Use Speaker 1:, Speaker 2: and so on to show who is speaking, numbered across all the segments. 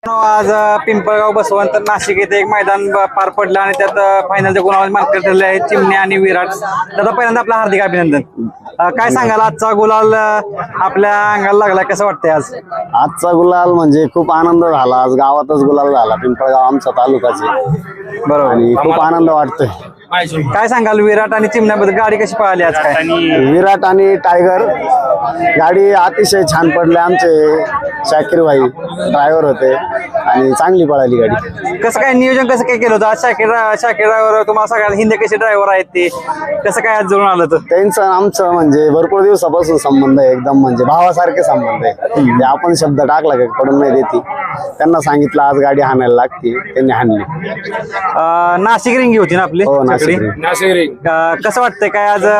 Speaker 1: आज पिंपळगाव बसवंत नाशिक येथे एक मैदान पार पडलं आणि त्यात फायनलच्या गुलाल मानकरी ठरले आहेत चिमणे आणि विराट. दादा पहिल्यांदा आपलं हार्दिक अभिनंदन. काय सांगाल आजचा गुलाल आपल्या अंगाला लागला, कसं वाटतंय आज?
Speaker 2: आजचा गुलाल म्हणजे खूप आनंद झाला. आज गावातच गुलाल झाला, पिंपळगाव आमचा तालुकाचे. बरोबर, आणि खूप आनंद वाटतोय.
Speaker 1: काय सांगाल विराट आणि चिमण्याबद्दल? गाडी कशी पळाली आज? काय
Speaker 2: विराट आणि टायगर गाडी अतिशय छान पडली. आमचे शाकीर भाई ड्रायव्हर होते आणि चांगली पळाली गाडी.
Speaker 1: कसं काय नियोजन कसं काय केलं होतं आज? शाकीर ड्रायव्हर तुम्हाला सगळ्यात हिंदी कसे ड्रायव्हर आहेत ते कसं काय आज जुळून आलं? तर
Speaker 2: त्यांचं आमचं म्हणजे भरपूर दिवसापासून संबंध आहे, एकदम म्हणजे भावासारखे संबंध आहे. ते आपण शब्द टाकला का पडून नाही देते. त्यांना सांगितलं आज गाडी हाणायला लागते, त्यांनी हाणली.
Speaker 1: नाशिक रिंगी होती ना आपली?
Speaker 2: हो, नाशिक.
Speaker 1: कसं वाटतंय काय आज?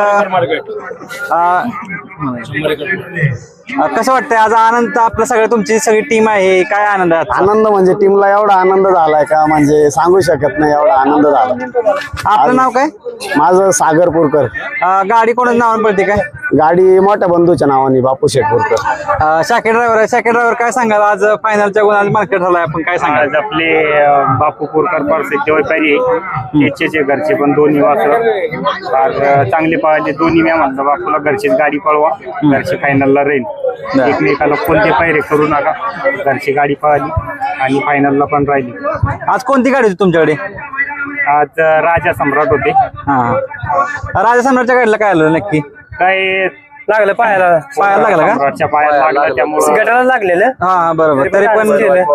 Speaker 1: कसं वाटतंय आज? आनंद आपलं सगळं, तुमची सगळी टीम आहे, काय आनंद आहे?
Speaker 2: आनंद म्हणजे टीमला एवढा आनंद झालाय का म्हणजे सांगू शकत नाही, एवढा आनंद झाला.
Speaker 1: आपलं नाव काय?
Speaker 2: माझं सागर पुरकर.
Speaker 1: गाडी कोणाच्या नावाने पडते काय?
Speaker 2: गाडी मोठ्या बंधूच्या नावाने बापू शेठ पुरकर.
Speaker 1: शाकीर ड्रायव्हर काय सांगाल आज फायनलच्या गुणाला मार्केट झालाय, आपण काय सांगाल?
Speaker 3: आज आपले बापू पुरकर परफेक्ट व्यापारी याचे घरचे पण दोन्ही वासर चांगले पळाले. दोन्ही मी म्हणलं बापूला घरचीच गाडी पळवा, घरची फायनलला राहील. एकमेकाला कोणते पायरे करू नका, घरची गाडी पळाली आणि फायनलला पण राहिली.
Speaker 1: आज कोणती गाडी होती तुमच्याकडे?
Speaker 3: आज राजा सम्राट होते.
Speaker 1: राजा सम्राटच्या गाडीला काय आलं नक्की?
Speaker 3: काय
Speaker 1: लागलं पायाला लागलं का?
Speaker 3: सम्राटच्या पायाला लागलं, त्यामुळे
Speaker 1: गटाला लागलेलं. हा बरोबर. तरी पण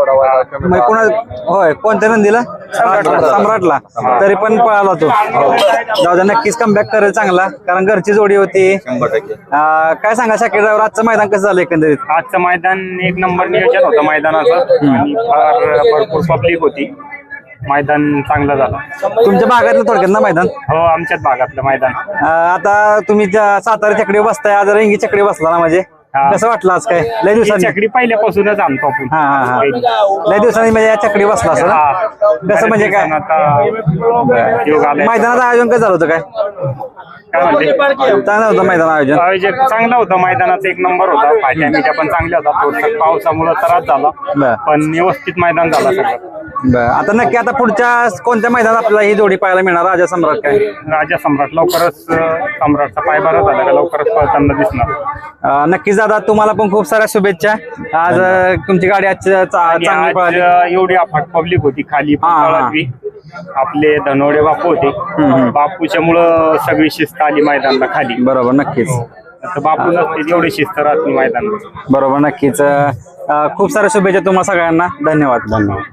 Speaker 1: होय, कोणत्या नंदीला? सम्राटला. तरी पण पळाला तो. जाऊ द्या, नक्कीच कमबॅक करेल चांगला, कारण घरची जोडी होती. काय सांगा शाकीर ड्रायव्हर, आजचं मैदान कसं झालं एकंदरीत?
Speaker 3: आजचं मैदान एक नंबर नियोजन होतं मैदानाचं आणि भरपूर पब्लिक होती. मैदान चांगलं झालं.
Speaker 1: तुमच्या भागातलं थोडक्यात ना मैदान?
Speaker 3: हो, आमच्याच भागातलं मैदान.
Speaker 1: आता तुम्ही सातारा चकडी बसताय, आज रंगी चकडी बसला ना, म्हणजे कसं वाटलं आज? काय लय दिवसांनी
Speaker 3: चकडी पहिल्यापासूनच आणतो आपण.
Speaker 1: लय दिवसांनी म्हणजे या चकडी बसला असं ना? कसं म्हणजे काय मैदानाचं आयोजन कसं झालं होतं? काय चांगलं होतं मैदान आयोजन?
Speaker 3: चांगलं होतं, मैदानाचा एक नंबर होता. फाट्या मिट्या पण चांगल्या होता. थोडस पावसामुळे त्रास झाला, पण व्यवस्थित मैदान झाला सगळं.
Speaker 1: आता नक्की आता पुढच्या कोणत्या मैदानात आपल्याला ही जोडी पाहायला मिळणार? राजा सम्राट काय?
Speaker 3: राजा सम्राट लवकरच, सम्राटचा पाय बरा झाला का लवकरच पळताना दिसणार.
Speaker 1: नक्कीच दादा, तुम्हाला पण खूप साऱ्या शुभेच्छा. आज तुमची गाडी आज चांगली पळाली.
Speaker 3: एवढी अफाट पब्लिक होती खाली. आपले धनोडे बापू होते, बापूच्या मुळे सगळी शिस्त आली मैदानाला खाली.
Speaker 1: बरोबर, नक्कीच.
Speaker 3: बापू नसते एवढी शिस्त राहत मैदानाला.
Speaker 1: बरोबर, नक्कीच. खूप साऱ्या शुभेच्छा तुम्हाला सगळ्यांना. धन्यवाद.